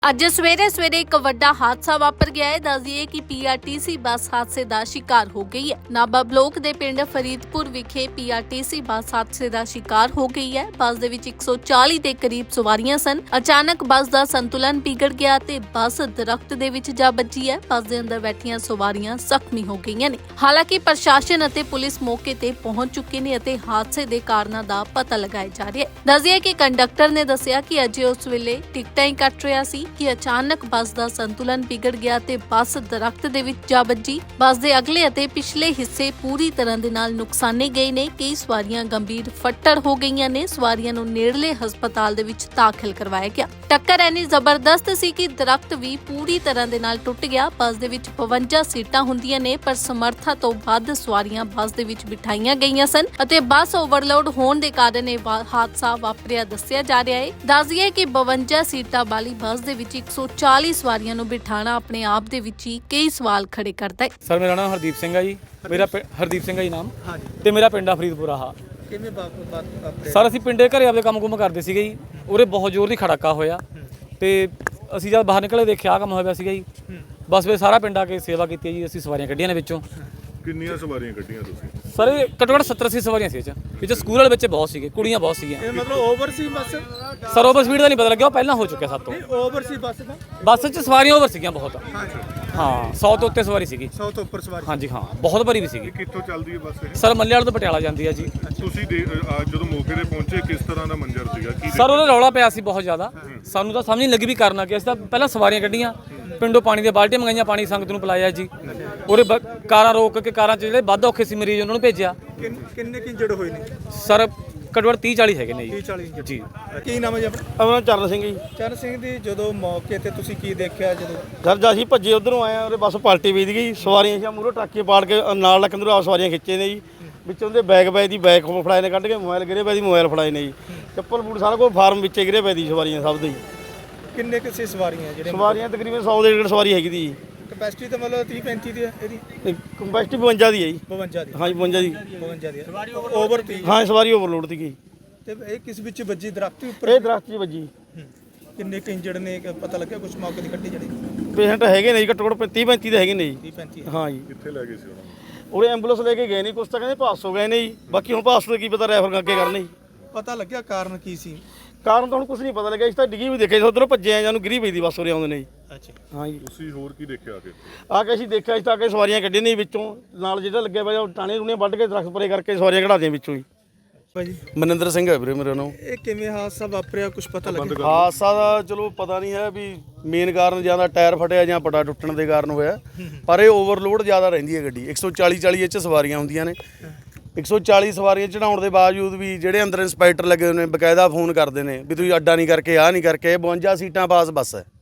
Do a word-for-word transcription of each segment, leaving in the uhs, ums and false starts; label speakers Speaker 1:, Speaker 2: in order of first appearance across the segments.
Speaker 1: ਅੱਜ ਸਵੇਰੇ ਸਵੇਰੇ ਇੱਕ ਵੱਡਾ ਹਾਦਸਾ ਵਾਪਰ ਗਿਆ ਹੈ। ਦੱਸ ਦਈਏ ਕਿ ਪੀਆਰਟੀਸੀ ਬੱਸ ਹਾਦਸੇ ਦਾ ਸ਼ਿਕਾਰ ਹੋ ਗਈ ਹੈ। ਨਾਭਾ ਬਲਾਕ ਦੇ ਪਿੰਡ ਫਰੀਦਪੁਰ ਵਿਖੇ ਪੀਆਰਟੀਸੀ ਬੱਸ ਹਾਦਸੇ ਦਾ ਸ਼ਿਕਾਰ ਹੋ ਗਈ ਹੈ। ਬੱਸ ਦੇ ਵਿੱਚ ਇੱਕ ਸੌ ਚਾਲੀ ਦੇ ਕਰੀਬ ਸਵਾਰੀਆਂ ਸਨ। ਅਚਾਨਕ ਬੱਸ ਦਾ ਸੰਤੁਲਨ ਵਿਗੜ ਗਿਆ ਤੇ ਬੱਸ ਦਰਖਤ ਦੇ ਵਿੱਚ ਜਾ ਵੱਜੀ ਹੈ। ਬੱਸ ਦੇ ਅੰਦਰ ਬੈਠੀਆਂ ਸਵਾਰੀਆਂ ਜ਼ਖਮੀ ਹੋ ਗਈਆਂ ਨੇ। ਹਾਲਾਂਕਿ ਪ੍ਰਸ਼ਾਸਨ ਅਤੇ ਪੁਲਿਸ ਮੌਕੇ ਤੇ ਪਹੁੰਚ ਚੁੱਕੇ ਨੇ ਅਤੇ ਹਾਦਸੇ ਦੇ ਕਾਰਨਾਂ ਦਾ ਪਤਾ ਲਗਾਇਆ ਜਾ ਰਿਹਾ ਹੈ। ਦੱਸ ਦਈਏ ਕਿ ਕੰਡਕਟਰ ਨੇ ਦੱਸਿਆ ਕਿ ਅਜੇ ਉਸ ਵੇਲੇ ਟਿਕਟਾਂ ਹੀ ਕੱਟ ਰਿਹਾ ਸੀ ਕਿ ਅਚਾਨਕ ਬੱਸ ਦਾ ਸੰਤੁਲਨ ਵਿਗੜ ਗਿਆ ਤੇ ਬੱਸ ਦਰਖਤ ਦੇ ਵਿੱਚ ਜਾ ਵੱਜੀ। ਬੱਸ ਦੇ ਅਗਲੇ ਅਤੇ ਪਿਛਲੇ ਹਿੱਸੇ ਪੂਰੀ ਤਰ੍ਹਾਂ ਦੇ ਨਾਲ ਨੁਕਸਾਨੇ ਗਏ ਨੇ। ਕਈ ਸਵਾਰੀਆਂ ਗੰਭੀਰ ਫੱਟੜ ਹੋ ਗਈਆਂ ਨੇ। ਸਵਾਰੀਆਂ ਨੂੰ ਨੇੜਲੇ ਹਸਪਤਾਲ ਦੇ ਵਿੱਚ ਦਾਖਲ ਕਰਵਾਇਆ ਗਿਆ। ਟੱਕਰ ਇੰਨੀ ਜ਼ਬਰਦਸਤ ਸੀ ਕਿ ਦਰਖਤ ਵੀ ਪੂਰੀ ਤਰ੍ਹਾਂ ਦੇ ਨਾਲ ਟੁੱਟ ਗਿਆ। ਬੱਸ ਦੇ ਵਿੱਚ ਬਵੰਜਾ ਸੀਟਾਂ ਹੁੰਦੀਆਂ ਨੇ, ਪਰ ਸਮਰੱਥਾ ਤੋਂ ਵੱਧ ਸਵਾਰੀਆਂ ਬੱਸ ਦੇ ਵਿੱਚ ਬਿਠਾਈਆਂ ਗਈਆਂ ਸਨ ਅਤੇ ਬੱਸ ਓਵਰਲੋਡ ਹੋਣ ਦੇ ਕਾਰਨ ਇਹ ਹਾਦਸਾ ਵਾਪਰਿਆ ਦੱਸਿਆ ਜਾ ਰਿਹਾ ਹੈ। ਦੱਸ ਦਈਏ ਕਿ ਬਵੰਜਾ ਸੀਟਾਂ ਵਾਲੀ ਬੱਸ ਦੇ ਵਿੱਚ ਇੱਕ ਸੌ ਚਾਲੀ ਸਵਾਰੀਆਂ ਨੂੰ ਬਿਠਾਣਾ ਆਪਣੇ ਆਪ ਦੇ ਵਿੱਚ ਹੀ ਕਈ ਸਵਾਲ ਖੜੇ ਕਰਦਾ ਹੈ।
Speaker 2: ਸਰ ਮੇਰਾ ਨਾਮ ਹਰਦੀਪ ਸਿੰਘ ਹੈ ਜੀ। ਮੇਰਾ ਹਰਦੀਪ ਸਿੰਘ ਹੈ ਜੀ ਨਾਮ, ਤੇ ਮੇਰਾ ਪਿੰਡ ਆ ਫਰੀਦਪੁਰ। ਆਹ
Speaker 3: ਕਿਵੇਂ ਬਾਤ
Speaker 2: ਸਰ ਅਸੀਂ ਪਿੰਡੇ ਘਰੇ ਆਪਦੇ ਕੰਮ ਕੁਮ ਕਰਦੇ ਸੀਗੇ ਜੀ। ਉਰੇ ਬਹੁਤ ਜ਼ੋਰ ਦੀ ਖੜਾਕਾ ਹੋਇਆ ਤੇ ਅਸੀਂ ਜਦ ਬਾਹਰ ਨਿਕਲੇ ਦੇਖਿਆ ਕੰਮ ਹੋਇਆ ਸੀਗਾ ਜੀ। ਬਸ ਫਿਰ ਸਾਰਾ ਪਿੰਡ ਆ ਕੇ ਸੇਵਾ ਕੀਤੀ ਜੀ। ਅਸੀਂ ਸਵਾਰੀਆਂ ਕੱਢੀਆਂ ਨੇ ਵਿੱਚੋਂ।
Speaker 4: ਕਿੰਨੀਆਂ ਸਵਾਰੀਆਂ ਕੱਢੀਆਂ ਤੁਸੀਂ?
Speaker 2: ਸਰ ਇਹ ਘੱਟੋ ਘੱਟ ਸੱਤਰ ਅੱਸੀ ਸਵਾਰੀਆਂ ਸੀ ਇਹ 'ਚ। ਵਿੱਚ ਸਕੂਲ ਵਾਲੇ ਬੱਚੇ ਬਹੁਤ ਸੀਗੇ, ਕੁੜੀਆਂ ਬਹੁਤ ਸੀਗੀਆਂ।
Speaker 3: ਇਹ ਮਤਲਬ ਓਵਰ ਸੀ ਬੱਸ?
Speaker 2: ਸਰ ਓਵਰ ਸਪੀਡ ਦਾ ਨਹੀਂ ਪਤਾ ਲੱਗਿਆ, ਉਹ ਪਹਿਲਾਂ ਹੋ ਚੁੱਕਿਆ ਸਾਤੋਂ।
Speaker 3: ਓਵਰ ਸੀ ਬੱਸ ਦਾ?
Speaker 2: ਬੱਸ 'ਚ ਸਵਾਰੀਆਂ ਓਵਰ ਸੀਗੀਆਂ ਬਹੁਤ।
Speaker 3: ਹਾਂਜੀ
Speaker 2: ਹਾਂ ਸੌ ਤੋਂ ਉੱਤੇ ਸਵਾਰੀ ਸੀਗੀ।
Speaker 3: ਸੌ ਤੋਂ ਉੱਪਰ ਸਵਾਰੀ?
Speaker 2: ਹਾਂਜੀ ਹਾਂ, ਬਹੁਤ ਭਰੀ ਵੀ ਸੀਗੀ।
Speaker 4: ਕਿੱਥੋਂ ਚੱਲਦੀ ਹੈ ਬੱਸ ਇਹ?
Speaker 2: ਸਰ ਮੱਲੇ ਵਾਲੇ ਤੋਂ ਪਟਿਆਲਾ ਜਾਂਦੀ ਹੈ ਜੀ।
Speaker 4: ਤੁਸੀਂ ਦੇ- ਅਹ ਜਦੋਂ ਮੌਕੇ ਤੇ ਪਹੁੰਚੇ ਕਿਸ ਤਰ੍ਹਾਂ ਦਾ ਮੰਜ਼ਰ ਸੀਗਾ? ਕੀ
Speaker 2: ਸਰ ਉਹਦਾ ਰੌਲਾ ਪਿਆ ਸੀ ਬਹੁਤ ਜ਼ਿਆਦਾ। ਸਾਨੂੰ ਤਾਂ ਸਮਝ ਨਹੀਂ ਲੱਗੀ ਵੀ ਕਰਨਾ ਕੀ। ਅਸੀਂ ਤਾਂ ਪਹਿਲਾਂ ਸਵਾਰੀਆਂ ਕੱਢੀਆਂ, ਪਿੰਡੋਂ ਪਾਣੀ ਦੀਆਂ ਬਾਲਟੀਆਂ ਮੰਗਾਈਆਂ, ਪਾਣੀ ਸੰਗਤ ਨੂੰ ਪਿਲਾਇਆ ਜੀ। ਉਹਦੇ ਕਾਰਾਂ ਰੋਕ ਕੇ ਕਾਰਾਂ 'ਚ ਜਿਹੜੇ ਵੱਧ ਔਖੇ ਸੀ ਮਰੀਜ਼ ਉਹਨਾਂ ਨੂੰ ਭੇਜਿਆ।
Speaker 3: ਕਿੰਨੇ ਕਿੰਜੜ ਹੋਏ ਨੇ
Speaker 2: ਸਰ ਘੱਟੋ ਘੱਟ ਤੀਹ ਚਾਲੀ ਹੈਗੇ ਨੇ ਜੀ।
Speaker 3: ਤੀਹ ਚਾਲੀ ਇੰਜੜ
Speaker 2: ਜੀ।
Speaker 3: ਕੀ ਨਾਮ ਹੈ ਜੀ ਆਪਣਾ?
Speaker 5: ਆਪਣਾ ਚਰਨ ਸਿੰਘ ਜੀ।
Speaker 3: ਚਰਨ ਸਿੰਘ ਦੀ ਜਦੋਂ ਮੌਕੇ ਤੇ ਤੁਸੀਂ ਕੀ ਦੇਖਿਆ? ਜਦੋਂ
Speaker 5: ਸਰ ਜਦ ਅਸੀਂ ਭੱਜੇ ਉਧਰੋਂ ਆਏ ਆ, ਉਹਦੇ ਬੱਸ ਪਲਟੀ ਵੀਦ ਗਈ। ਸਵਾਰੀਆਂ ਸੀ ਮੂਹਰੋਂ ਟਰੱਕੇ ਪਾੜ ਕੇ ਨਾਲ ਲੱਕ ਅੰਦਰੋਂ ਆ ਸਵਾਰੀਆਂ ਖਿੱਚੇ ਨੇ ਜੀ। ਵਿੱਚੋਂ ਉਹਦੇ ਬੈਗ ਪਏ ਦੀ ਬੈਗ ਫੜਾਏ ਨੇ, ਕੱਢ ਕੇ ਮੋਬਾਈਲ ਗਿਰੇ ਪਏ ਦੀ ਮੋਬਾਈਲ ਫੜਾਏ ਨੇ ਜੀ। ਚੱਪਲ ਬੂਟ ਸਾਰਾ ਕੁਝ ਫਾਰਮ ਵਿੱਚੇ ਗਿਰੇ ਪਏ ਦੀ ਸਵਾਰੀਆਂ ਸਭ ਦੇ ਜੀ।
Speaker 3: ਕਿੰਨੇ ਕਿਸੇ ਸਵਾਰੀਆਂ ਜਿਹੜੇ?
Speaker 5: ਸਵਾਰੀਆਂ ਤਕਰੀਬਨ ਸੌ ਦੇ ਡੇਢ ਸਵਾਰੀ ਹੈਗੀ ਦੀ ਜੀ।
Speaker 3: ਕਪੈਸਿਟੀ ਤਾਂ ਮਤਲਬ ਤੀਹ ਪੈਂਤੀ ਦੀ ਹੈ ਇਹਦੀ?
Speaker 5: ਕੰਪੈਸਟੀ ਬਵੰਜਾ ਦੀ ਹੈ ਜੀ।
Speaker 3: ਬਵੰਜਾ ਦੀ?
Speaker 5: ਹਾਂਜੀ ਬਵੰਜਾ ਦੀ।
Speaker 3: ਬਵੰਜਾ ਦੀ ਓਵਰ ਤੀ?
Speaker 5: ਹਾਂ ਸਵਾਰੀ ਓਵਰਲੋਡ ਸੀਗੀ।
Speaker 3: ਤੇ ਇਹ ਕਿਸ ਵਿੱਚ ਵੱਜੀ? ਦਰਖਤ ਉੱਪਰ?
Speaker 5: ਇਹ ਦਰਖਤ 'ਚ ਵੱਜੀ।
Speaker 3: ਕਿੰਨੇ ਕਿੰਜੜ ਨੇ ਪਤਾ ਲੱਗਿਆ ਕੁਝ ਮੌਕੇ ਦੀ ਕੱਢੀ ਜਿਹੜੀ?
Speaker 5: ਪੇਸ਼ੈਂਟ ਹੈਗੇ ਨੇ ਜੀ ਘੱਟੋ ਘੱਟ ਤੀਹ ਪੈਂਤੀ ਦੇ ਹੈਗੇ ਨੇ ਜੀ।
Speaker 3: ਤੀਹ ਪੈਂਤੀ?
Speaker 5: ਹਾਂ ਜੀ।
Speaker 4: ਕਿੱਥੇ ਲੈ ਗਏ ਸੀ ਉਹਨਾਂ ਨੂੰ?
Speaker 5: ਉਹਦੇ ਐਂਬੂਲੈਂਸ ਲੈ ਕੇ ਗਏ ਨੇ, ਕੁਛ ਤਾਂ ਕਹਿੰਦੇ ਪਾਸ ਹੋ ਗਏ ਨੇ ਜੀ। ਬਾਕੀ ਹੁਣ ਪਾਸ ਤੋਂ ਕੀ ਪਤਾ ਰੈਫਰ ਅੱਗੇ ਕਰਨੇ ਜੀ।
Speaker 3: ਪਤਾ ਲੱਗਿਆ ਕਾਰਨ ਕੀ ਸੀ?
Speaker 5: ਕਾਰਨ ਤਾਂ ਹੁਣ ਕੁਝ ਨਹੀਂ ਪਤਾ ਲੱਗਿਆ। ਇਸ ਤਾਂ ਡਿੱਗੀ ਵੀ ਦੇਖਿਆ, ਉਧਰੋਂ ਭੱਜੇ ਆ, ਜਾਨੂੰ ਗਿਰੀ ਪਈ ਦੀ ਬੱਸ ਉਰੇ ਆਉਂਦੇ ਨੇ ਜੀ।
Speaker 3: ਅੱਛਾ
Speaker 5: ਹਾਂ ਜੀ।
Speaker 4: ਤੁਸੀਂ ਹੋਰ ਕੀ ਦੇਖਿਆ ਆ ਕੇ?
Speaker 5: ਆ ਕੇ ਅਸੀਂ ਦੇਖਿਆ ਇਸ ਤਾਂ ਕਿ ਸਵਾਰੀਆਂ ਕੱਢੀਆਂ ਨੇ ਵਿੱਚੋਂ, ਨਾਲ ਜਿਹੜਾ ਲੱਗਿਆ ਪਿਆ ਟਾਣੇ ਰੂਣੇ ਵੱਢ ਕੇ ਦਰਖਤ ਪਰੇ ਕਰਕੇ ਸਵਾਰੀਆਂ ਕਢਾ ਦਿਆਂ ਵਿੱਚੋਂ ਹੀ।
Speaker 3: ਭਾਜੀ
Speaker 5: ਮਨਿੰਦਰ ਸਿੰਘ ਹੈ ਵੀਰੇ ਮੇਰੇ ਨਾਮ।
Speaker 3: ਇਹ ਕਿਵੇਂ ਹਾਦਸਾ ਵਾਪਰਿਆ? ਕੁਝ ਪਤਾ ਲੱਗਿਆ?
Speaker 5: ਹਾਦਸਾ ਦਾ ਚਲੋ ਪਤਾ ਨਹੀਂ ਹੈ ਵੀ ਮੇਨ ਕਾਰਨ ਜਾਂ ਤਾਂ ਟਾਇਰ ਫਟਿਆ ਜਾਂ ਪਟਾ ਟੁੱਟਣ ਦੇ ਕਾਰਨ ਹੋਇਆ, ਪਰ ਇਹ ਓਵਰਲੋਡ ਜ਼ਿਆਦਾ ਰਹਿੰਦੀ ਹੈ ਗੱਡੀ। ਇੱਕ ਸੌ ਚਾਲੀ ਚਾਲੀ ਇਹ 'ਚ ਸਵਾਰੀਆਂ ਹੁੰਦੀਆਂ ਨੇ। ਇੱਕ ਸੌ ਚਾਲੀ ਸਵਾਰੀਆਂ ਚੜਾਉਣ ਦੇ ਬਾਵਜੂਦ ਵੀ ਜਿਹੜੇ ਅੰਦਰ ਇੰਸਪੈਕਟਰ ਲੱਗੇ ਹੋਏ ਨੇ ਬਕਾਇਦਾ ਫੋਨ ਕਰਦੇ ਨੇ ਵੀ ਤੁਸੀਂ ਅੱਡਾ ਨਹੀਂ ਕਰਕੇ ਆਹ ਨਹੀਂ ਕਰਕੇ। ਬਵੰਜਾ ਸੀਟਾਂ ਪਾਸ ਬੱਸ ਹੈ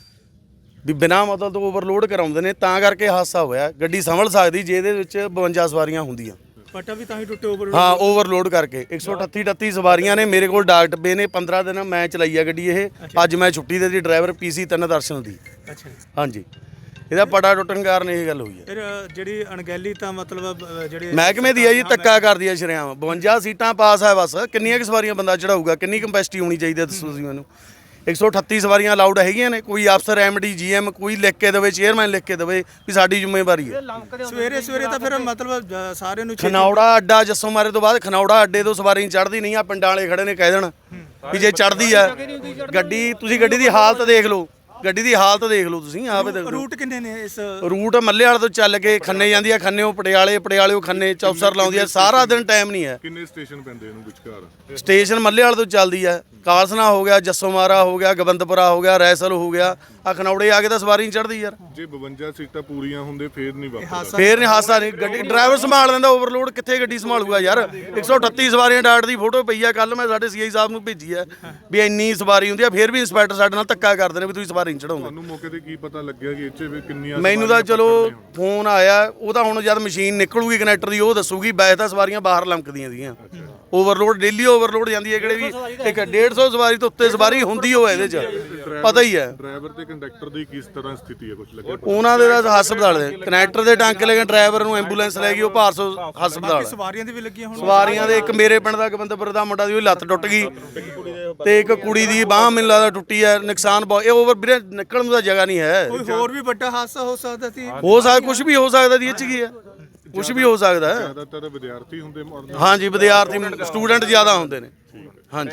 Speaker 5: ਵੀ ਬਿਨਾਂ ਮਤਲਬ ਤੋਂ ਓਵਰਲੋਡ ਕਰਾਉਂਦੇ ਨੇ, ਤਾਂ ਕਰਕੇ ਹਾਦਸਾ ਹੋਇਆ। ਗੱਡੀ ਸੰਭਲ ਸਕਦੀ ਜੇ ਇਹਦੇ ਵਿੱਚ ਬਵੰਜਾ ਸਵਾਰੀਆਂ ਹੁੰਦੀਆਂ।
Speaker 3: ਪਟਾ ਵੀ ਤਾਂ ਹੀ ਟੁੱਟੇ ਓਵਰ?
Speaker 5: ਹਾਂ ਓਵਰਲੋਡ ਕਰਕੇ। ਇੱਕ ਸੌ ਅਠੱਤੀ ਅਠੱਤੀ ਸਵਾਰੀਆਂ ਨੇ। ਮੇਰੇ ਕੋਲ ਡਾਕ ਡੱਬੇ ਨੇ। ਪੰਦਰਾਂ ਦਿਨ ਮੈਂ ਚਲਾਈ ਆ ਗੱਡੀ ਇਹ। ਅੱਜ ਮੈਂ ਛੁੱਟੀ ਦੇ ਦੀ ਡਰਾਈਵਰ ਪੀਸੀ ਤਿੰਨ ਦਰਸ਼ਨ ਦੀ।
Speaker 3: ਅੱਛਾ।
Speaker 5: ਹਾਂਜੀ ਇਹਦਾ ਪਟਾ ਟੁੱਟਣ ਕਾਰਨ ਇਹ ਗੱਲ ਹੋਈ ਹੈ।
Speaker 3: ਫਿਰ ਜਿਹੜੀ ਅਣਗਹਿਲੀ ਤਾਂ ਮਤਲਬ ਜਿਹੜੇ
Speaker 5: ਮਹਿਕਮੇ ਦੀ ਹੈ ਜੀ, ਧੱਕਾ ਕਰਦੀ ਹੈ ਸ਼ਰੇਆਮ। ਬਵੰਜਾ ਸੀਟਾਂ ਪਾਸ ਹੈ ਬਸ। ਕਿੰਨੀਆਂ ਕਿ ਸਵਾਰੀਆਂ ਬੰਦਾ ਚੜਾਊਗਾ? ਕਿੰਨੀ ਕੰਪੈਸਿਟੀ ਹੋਣੀ ਚਾਹੀਦੀ ਹੈ ਦੱਸੋ ਤੁਸੀਂ ਮੈਨੂੰ। ਇੱਕ ਸੌ ਅਠੱਤੀ ਸਵਾਰੀਆਂ ਅਲਾਉਡ ਹੈਗੀਆਂ ਨੇ। ਕੋਈ ਅਫਸਰ ਐਮਡੀ ਜੀਐਮ ਕੋਈ ਲਿਖ ਕੇ ਦੇਵੇ, ਚੇਅਰਮੈਨ ਲਿਖ ਕੇ ਦੇਵੇ ਵੀ ਸਾਡੀ ਜ਼ਿੰਮੇਵਾਰੀ ਹੈ।
Speaker 3: ਸਵੇਰੇ ਸਵੇਰੇ ਤਾਂ ਫਿਰ ਮਤਲਬ ਸਾਰਿਆਂ ਨੂੰ
Speaker 5: ਖਨੌੜਾ ਅੱਡਾ ਜੱਸੋ ਮਾਰੇ ਤੋਂ ਬਾਅਦ ਖਨੌੜਾ ਅੱਡੇ ਤੋਂ ਸਵਾਰੀ ਚੜ੍ਹਦੀ ਨਹੀਂ ਆ। ਪਿੰਡਾਂ ਵਾਲੇ ਖੜੇ ਨੇ ਕਹਿ ਦੇਣ ਵੀ ਜੇ ਚੜ੍ਹਦੀ ਆ ਗੱਡੀ। ਤੁਸੀਂ ਗੱਡੀ ਦੀ ਹਾਲਤ ਦੇਖ ਲਓ, ਗੱਡੀ ਦੀ ਹਾਲਤ ਦੇਖ ਲਓ ਤੁਸੀਂ ਆਪੇ ਦੇਖ ਲਓ।
Speaker 3: ਰੂਟ ਕਿੰਨੇ ਨੇ ਇਸ?
Speaker 5: ਰੂਟ ਮੱਲੇ ਵਾਲੇ ਤੋਂ ਚੱਲ ਕੇ ਖੰਨੇ ਜਾਂਦੀ ਆ, ਖੰਨੇੋਂ ਪਟਿਆਲੇ, ਪਟਿਆਲੇੋਂ ਖੰਨੇ, ਚੌਪਸਰ ਲਾਉਂਦੀ ਆ। ਸਾਰਾ ਦਿਨ ਟਾਈਮ ਨਹੀਂ ਹੈ।
Speaker 4: ਕਿੰਨੇ ਸਟੇਸ਼ਨ ਪੈਂਦੇ ਇਹਨੂੰ ਵਿਚਕਾਰ?
Speaker 5: ਸਟੇਸ਼ਨ ਮੱਲੇ ਵਾਲੇ ਤੋਂ ਚੱਲਦੀ ਆ। ਕਾਲਸਨਾ ਹੋ ਗਿਆ, ਜੱਸੋ ਮਾਰਾ ਹੋ ਗਿਆ, ਗੋਬਿੰਦਪੁਰਾ ਹੋ ਗਿਆ, ਰੈਸਲ ਹੋ ਗਿਆ। ਆ ਖਨੌੜੇ ਆ ਕੇ ਤਾਂ ਸਵਾਰੀ ਨਹੀਂ ਚੜ੍ਹਦੀ ਯਾਰ।
Speaker 4: ਜੇ ਬਵੰਜਾ ਸੀਟਾਂ ਪੂਰੀਆਂ ਹੁੰਦੇ ਫੇਰ ਨਹੀਂ ਵਾਪਰਦਾ?
Speaker 5: ਫੇਰ ਨਹੀਂ ਹਾਸਾ ਨਹੀਂ। ਗੱਡੀ ਡਰਾਈਵਰ ਸੰਭਾਲ ਲੈਂਦਾ। ਓਵਰਲੋਡ ਕਿੱਥੇ ਗੱਡੀ ਸੰਭਾਲੂਗਾ ਯਾਰ। ਇੱਕ ਸੌ ਅਠੱਤੀ ਸਵਾਰੀਆਂ ਡਾਟ ਦੀ ਫੋਟੋ ਪਈ ਆ। ਕੱਲ ਮੈਂ ਸਾਡੇ ਸੀਆਈ ਸਾਹਿਬ ਨੂੰ ਭੇਜੀ ਆ ਵੀ ਇੰਨੀ ਸਵਾਰੀ ਹੁੰਦੀ ਆ, ਫੇਰ ਵੀ ਇੰਸਪੈਕਟਰ ਸਾਡੇ ਨਾਲ ਧੱਕਾ ਕਰਦੇ ਨੇ ਵੀ ਤੁਸੀਂ ਸਵਾਰੀ ਨਹੀਂ ਚੜਾਉਂਦੇ।
Speaker 4: ਤੁਹਾਨੂੰ ਮੌਕੇ ਤੇ ਕੀ ਪਤਾ ਲੱਗਿਆ ਕਿ ਇੱਥੇ ਵੀ ਕਿੰਨੀਆਂ?
Speaker 5: ਮੈਨੂੰ ਤਾਂ ਚਲੋ ਫੋਨ ਆਇਆ, ਉਹ ਤਾਂ ਹੁਣ ਜਦ ਮਸ਼ੀਨ ਨਿਕਲੂਗੀ ਕਨੈਕਟਰ ਦੀ ਉਹ ਦੱਸੂਗੀ। ਵੈਸੇ ਤਾਂ ਸਵਾਰੀਆਂ ਬਾਹਰ ਲੰਕਦੀਆਂ ਸੀਗੀਆਂ। ਓਵਰਲੋਡ ਡੇਲੀ ਓਵਰਲੋਡ ਜਾਂਦੀ ਹੈ। ਕਿਹੜੇ ਵੀ ਇੱਕ ਡੇਢ ਸੌ ਸਵਾਰੀ ਤੋਂ ਉੱਤੇ ਸਵਾਰੀ ਹੁੰਦੀ ਹੋਵੇ ਇਹਦੇ 'ਚ ਪਤਾ ਹੀ ਹੈ।
Speaker 4: ਡਰਾਈਵਰ ਤੇ ਕੰਡਕਟਰ ਦੀ ਕਿਸ ਤਰ੍ਹਾਂ ਸਥਿਤੀ ਹੈ? ਕੁਝ ਲੱਗਿਆ?
Speaker 5: ਉਹਨਾਂ ਦੇ ਤਾਂ ਹਸਪਤਾਲ ਦੇ ਕਨੈਕਟਰ ਦੇ ਟਾਂਕੇ ਲੈ ਕੇ ਡਰਾਈਵਰ ਨੂੰ ਐਂਬੂਲੈਂਸ ਲੈ ਗਈ, ਉਹ ਭਾਰਸੋ ਹਸਪਤਾਲ।
Speaker 3: ਸਵਾਰੀਆਂ ਦੀ ਵੀ ਲੱਗੀਆਂ ਹੁਣ?
Speaker 5: ਸਵਾਰੀਆਂ ਦੇ ਇੱਕ ਮੇਰੇ ਪਿੰਡ ਦਾ ਗੋਬਿੰਦਪੁਰ ਦਾ ਮੁੰਡਾ ਦੀ ਉਹ ਲੱਤ ਟੁੱਟ ਗਈ। ਤੇ ਇੱਕ ਕੁੜੀ ਦੀ ਬਾਹ ਮੈਨੂੰ ਲੱਗਦਾ ਟੁੱਟੀ ਹੈ, ਨੁਕਸਾਨ ਬਹੁਤ ਇਹ ਓਵਰ ਵੀਰੇ ਨਿਕਲਣ ਨੂੰ ਤਾਂ ਜਗ੍ਹਾ ਨਹੀਂ ਹੈ।
Speaker 3: ਕੋਈ ਹੋਰ ਵੀ ਵੱਡਾ ਹਾਦਸਾ ਹੋ ਸਕਦਾ ਸੀ।
Speaker 5: ਹੋ ਸਕਦਾ ਕੁਝ ਵੀ ਹੋ ਸਕਦਾ ਦੀ ਇਹ ਚ ਕੀ ਹੈ, ਕੁਝ ਵੀ ਹੋ ਸਕਦਾ ਹੈ।
Speaker 4: ਜ਼ਿਆਦਾਤਰ ਵਿਦਿਆਰਥੀ ਹੁੰਦੇ ਮਰਨ
Speaker 5: ਹਾਂਜੀ ਵਿਦਿਆਰਥੀ ਸਟੂਡੈਂਟ ਜ਼ਿਆਦਾ ਹੁੰਦੇ ਨੇ। ਹਾਂਜੀ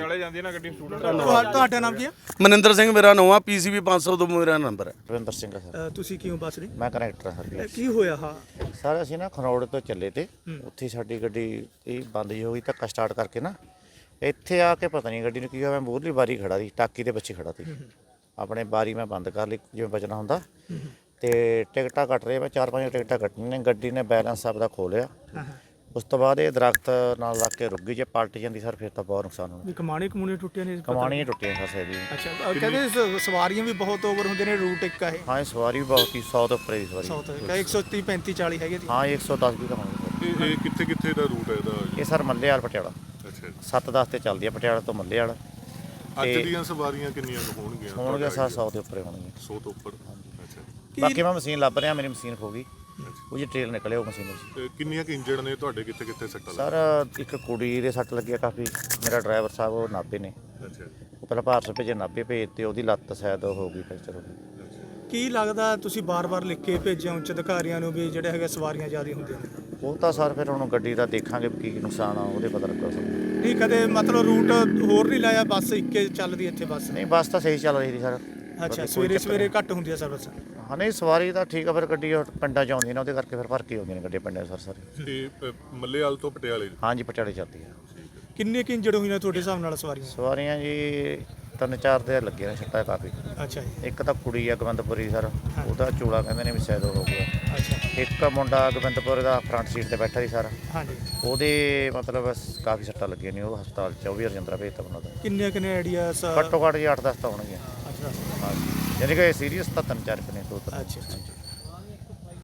Speaker 3: ਤੁਹਾ- ਤੁਹਾਡਾ ਨਾਮ ਕੀ ਹੈ?
Speaker 5: ਮਨਿੰਦਰ ਸਿੰਘ ਮੇਰਾ ਨਾਮ ਆ, ਪੀਸੀਬੀ ਪੰਜ ਸੌ ਤੋਂ ਮੇਰਾ ਨੰਬਰ ਹੈ।
Speaker 6: ਰਵਿੰਦਰ ਸਿੰਘ ਆ ਸਰ।
Speaker 3: ਅ, ਤੁਸੀਂ ਕਿਉਂ ਬਸ ਰਹੇ?
Speaker 6: ਮੈਂ ਕਨੈਕਟਰ ਹਾਂ ਸਰ।
Speaker 3: ਅ, ਕੀ ਹੋਇਆ ਹਾਂ?
Speaker 6: ਸਰ ਅਸੀਂ ਨਾ ਖਰੋੜ ਤੋਂ ਚੱਲੇ ਤੇ ਉੱਥੇ ਸਾਡੀ ਗੱਡੀ ਇਹ ਬੰਦ ਜਿਹੀ ਹੋ ਗਈ, ਧੱਕਾ ਸਟਾਰਟ ਕਰਕੇ ਨਾ ਇੱਥੇ ਆ ਕੇ ਪਤਾ ਨਹੀਂ ਗੱਡੀ ਨੂੰ ਕੀ ਹੋਇਆ। ਮੈਂ ਮੂਹਰਲੀ ਬਾਰੀ ਖੜਾ ਸੀ, ਟਾਕੀ ਦੇ ਪਿੱਛੇ ਖੜਾ ਸੀ। ਆਪਣੇ ਬਾਰੀ ਮੈਂ ਬੰਦ ਕਰ ਲਈ ਜਿਵੇਂ ਬਚਣਾ ਹੁੰਦਾ, ਤੇ ਟਿਕਟਾਂ ਕੱਟ ਰਹੇ ਮੈਂ ਚਾਰ ਪੰਜ ਟਿਕਟਾਂ ਕੱਟਣੀਆਂ ਨੇ। ਗੱਡੀ ਨੇ ਬੈਲੈਂਸ ਆਪਦਾ ਖੋ ਲਿਆ। ਉਸ ਤੋਂ ਬਾਅਦ ਇਹ ਦਰਖਤ ਨਾਲ ਲੱਗ ਕੇ ਰੁਕ ਗਈ। ਜੇ ਪਲਟ ਜਾਂਦੀ ਸਰ ਫਿਰ ਤਾਂ ਬਹੁਤ ਨੁਕਸਾਨ ਹੋਣਾ।
Speaker 3: ਵੀ ਕਮਾਣੀ ਕਮੂਣੀ ਟੁੱਟੀਆਂ ਨੇ?
Speaker 6: ਕਮਾਣੀਆਂ ਟੁੱਟੀਆਂ ਫਸੇ ਦੀ।
Speaker 3: ਅੱਛਾ, ਅ, ਕਹਿੰਦੇ ਸ- ਸਵਾਰੀਆਂ ਵੀ ਬਹੁਤ ਓਵਰ ਹੁੰਦੇ ਨੇ, ਰੂਟ ਇੱਕ ਆ ਇਹ
Speaker 6: ਹਾਂ ਇਹ ਸਵਾਰੀ ਵੀ ਬਹੁਤ ਸੀ, ਸੌ ਤੋਂ ਉੱਪਰ ਦੀ ਸਵਾਰੀ।
Speaker 3: ਸਾਊਥ ਦਾ ਇੱਕ ਸੌ ਤੀਹ ਪੈਂਤੀ ਚਾਲੀ ਹੈਗੇ ਸੀ।
Speaker 6: ਹਾਂ ਇਹ ਇੱਕ ਸੌ ਦਸ ਵੀ ਤਾਂ ਹੋਣੀ ਸਰ।
Speaker 4: ਇਹ ਇਹ ਕਿੱਥੇ ਕਿੱਥੇ ਦਾ ਰੂਟ ਹੈ ਇਹਦਾ?
Speaker 6: ਇਹ ਸਰ ਮੱਲੇ ਵਾਲ ਪਟਿਆਲਾ
Speaker 4: ਅੱਛਾ ਜੀ।
Speaker 6: ਸੱਤ ਦਸ ਤੇ ਚੱਲਦੀ ਆ, ਪਟਿਆਲਾ ਤੋਂ ਮੱਲੇ ਵਾਲਾ।
Speaker 4: ਅੱਜ ਦੀਆਂ ਸਵਾਰੀਆਂ ਕਿੰਨੀਆਂ ਕੁ ਹੋਣਗੀਆਂ?
Speaker 6: ਹੋਣਗੇ ਸਰ ਸੌ ਦੇ ਉੱਪਰ ਹੋਣਗੇ।
Speaker 4: ਸੌ ਤੋਂ ਉੱਪਰ। ਅੱਛਾ।
Speaker 6: ਬਾਕੀ ਮੈਂ ਮਸ਼ੀਨ ਲੱਭ ਰਿਹਾ, ਮੇਰੀ ਮਸ਼ੀਨ ਖੋ ਗਈ, ਉਹ ਜੀ ਟ੍ਰੇਲ ਨਿਕਲੇ ਉਹ ਮਸ਼ੀਨ ਵਿੱਚ।
Speaker 4: ਤੇ ਕਿੰਨੀਆਂ ਕਿ ਇੰਜਰਡ ਨੇ ਤੁਹਾਡੇ? ਕਿੱਥੇ ਕਿੱਥੇ ਸੱਟਾਂ
Speaker 6: ਸਰ ਇੱਕ ਕੁੜੀ ਦੇ ਸੱਟ ਲੱਗੀ ਆ ਕਾਫੀ। ਮੇਰਾ ਡਰਾਈਵਰ ਸਾਹਿਬ ਉਹ ਨਾਭੇ ਨੇ,
Speaker 4: ਲੱਗੀਆਂ? ਅੱਛਾ।
Speaker 6: ਉਹ ਪਹਿਲਾਂ ਭਾਰਤ ਭੇਜੇ, ਨਾਭੇ ਭੇਜ ਤੇ ਉਹਦੀ ਲੱਤ ਸ਼ਾਇਦ ਹੋ ਗਈ ਫ੍ਰੈਕਚਰ ਹੋ ਗਈ।
Speaker 3: ਕੀ ਲੱਗਦਾ ਤੁਸੀਂ ਬਾਰ-ਬਾਰ ਲਿਖ ਕੇ ਭੇਜਿਆ ਉੱਚ ਅਧਿਕਾਰੀਆਂ ਨੂੰ ਵੀ ਜਿਹੜੇ ਹੈਗੇ ਸਵਾਰੀਆਂ ਜ਼ਿਆਦਾ ਹੁੰਦੀਆਂ ਨੇ?
Speaker 6: ਉਹ ਤਾਂ ਸਰ ਫਿਰ ਹੁਣ ਗੱਡੀ ਦਾ ਦੇਖਾਂਗੇ ਕੀ ਨੁਕਸਾਨ ਆ, ਉਹਦੇ ਪਤਾ ਲੱਗਾ ਸਰ।
Speaker 3: ਨਹੀਂ ਕਦੇ ਮਤਲਬ ਰੂਟ ਹੋਰ ਨਹੀਂ ਲਾਇਆ, ਬੱਸ ਇੱਕੇ ਚੱਲਦੀ ਇੱਥੇ ਬੱਸ?
Speaker 6: ਨਹੀਂ ਬੱਸ ਤਾਂ ਸਹੀ ਚੱਲ ਰਹੀ ਸੀ ਸਰ।
Speaker 3: ਅੱਛਾ, ਸਵੇਰੇ ਸਵੇਰੇ ਘੱਟ ਹੁੰਦੀ ਆ ਸਰਵਿਸ?
Speaker 6: ਹਾਂ ਨਹੀਂ ਸਵਾਰੀ ਤਾਂ ਠੀਕ ਆ, ਫਿਰ ਗੱਡੀ ਉਹ ਪਿੰਡਾਂ 'ਚ ਆਉਂਦੀ ਨੇ, ਉਹਦੇ ਕਰਕੇ ਫਿਰ ਭਰ ਕੇ ਆਉਂਦੀਆਂ ਨੇ ਗੱਡੀ ਪਿੰਡਾਂ 'ਚ ਸਰ ਸਾਰੇ।
Speaker 4: ਤੇ ਅ, ਮੱਲੇਵਾਲ ਤੋਂ ਪਟਿਆਲੇ?
Speaker 6: ਹਾਂਜੀ ਪਟਿਆਲੇ ਚੱਲਦੀ ਆ।
Speaker 3: ਕਿੰਨੇ ਕਿ ਇੰਜਰਡ ਹੋਈਆਂ ਤੁਹਾਡੇ ਹਿਸਾਬ ਨਾਲ ਸਵਾਰੀਆਂ?
Speaker 6: ਸਵਾਰੀਆਂ ਜੀ ਤਿੰਨ ਚਾਰ ਦੇ ਲੱਗੇ ਨੇ ਛੱਟਾ ਕਾਫੀ।
Speaker 3: ਅੱਛਾ ਜੀ।
Speaker 6: ਇੱਕ ਤਾਂ ਕੁੜੀ ਆ ਗਵੰਦਪੁਰੀ ਸਰ, ਉਹਦਾ ਚੂੜਾ ਕਹਿੰਦੇ ਨੇ ਵੀ ਸ਼ਾਇਦ ਉਹ ਹੋ ਗਿਆ।
Speaker 3: ਅੱਛਾ।
Speaker 6: ਇੱਕ ਮੁੰਡਾ ਗਵੰਦਪੁਰ ਦਾ ਫਰੰਟ ਸੀਟ ਤੇ ਬੈਠਾ ਸੀ ਸਰ,
Speaker 3: ਹਾਂਜੀ।
Speaker 6: ਉਹਦੇ ਮਤਲਬ ਕਾਫੀ ਸੱਟਾਂ ਲੱਗੀਆਂ ਨੇ, ਉਹ ਹਸਪਤਾਲ ਚ ਉਹ ਵੀ ਰਜਿੰਦਰਾ ਭੇਜਤਾ ਉਹਨਾਂ ਦਾ।
Speaker 3: ਕਿੰਨੇ ਕਿੰਨੇ ਆਈਡੀਆਸ?
Speaker 6: ਘੱਟੋ ਘੱਟ ਜੀ ਅੱਠ ਦਸ ਤਾਂ ਹੋਣਗੀਆਂ।
Speaker 3: ਅੱਛਾ
Speaker 6: ਹਾਂਜੀ ਯਾਨੀ ਕਿ ਸੀਰੀਅਸ ਤਾਂ ਤਿੰਨ ਚਾਰ ਕੁ ਨੇ ਦੋ ਤਿੰਨ।
Speaker 3: ਅੱਛਾ।